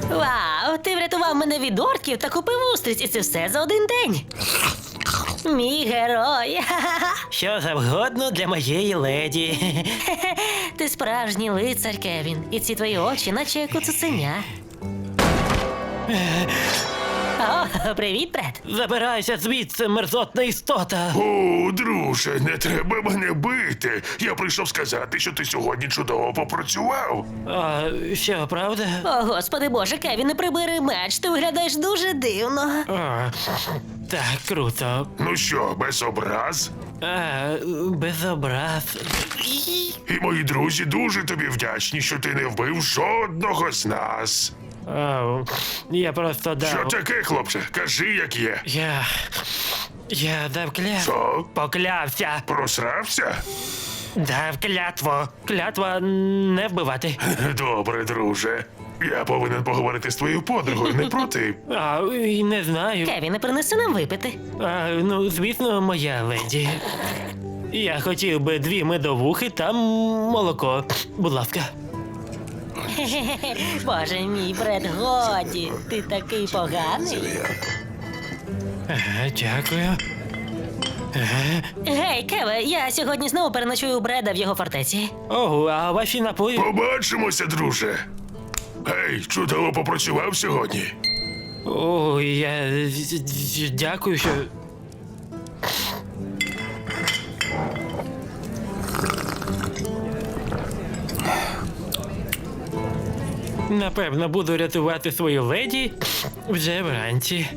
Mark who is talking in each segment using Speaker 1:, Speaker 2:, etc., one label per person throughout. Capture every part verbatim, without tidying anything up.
Speaker 1: Вау, ти врятував мене від орків та купив устриць, і це все за один день. Мій герой.
Speaker 2: Що завгодно для моєї леді.
Speaker 1: Ти справжній лицар, Кевін. І ці твої очі, наче як у цуценя. О, привіт, Бред.
Speaker 2: Забирайся звідси, мерзотна істота.
Speaker 3: О, друже, не треба мене бити. Я прийшов сказати, що ти сьогодні чудово попрацював.
Speaker 2: А, що, правда?
Speaker 1: О, господи боже, Кевін, не прибери меч, ти виглядаєш дуже дивно.
Speaker 2: А, так, круто.
Speaker 3: Ну що, без образ?
Speaker 2: А, без образ.
Speaker 3: І мої друзі дуже тобі вдячні, що ти не вбив жодного з нас.
Speaker 2: А, я просто дав...
Speaker 3: Що таке, хлопче? Кажи, як є.
Speaker 2: Я... Я дав клятву.
Speaker 3: Що?
Speaker 2: Поклявся.
Speaker 3: Просрався?
Speaker 2: Дав клятву. Клятва не вбивати.
Speaker 3: Добре, друже. Я повинен поговорити з твоєю подругою, не проти.
Speaker 2: А, і не знаю.
Speaker 1: Кевін, не принеси нам випити.
Speaker 2: А, ну, звісно, моя леді. Я хотів би дві медовухи та молоко. Будь ласка.
Speaker 1: Хе-хе-хе. Боже мій, Бред, годі. Ти такий поганий.
Speaker 2: Ага, дякую. Ага.
Speaker 1: Гей, Кеве, я сьогодні знову переночую у Бреда в його фортеці.
Speaker 2: Ого, а ваші напої?
Speaker 3: Побачимося, друже. Гей, чудово попрацював сьогодні.
Speaker 2: О, я дякую, що... Напевно, буду рятувати свою леді вже вранці.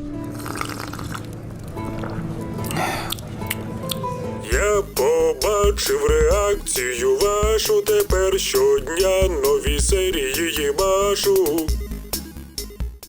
Speaker 4: Я побачив реакцію вашу, тепер щодня нові серії її машу.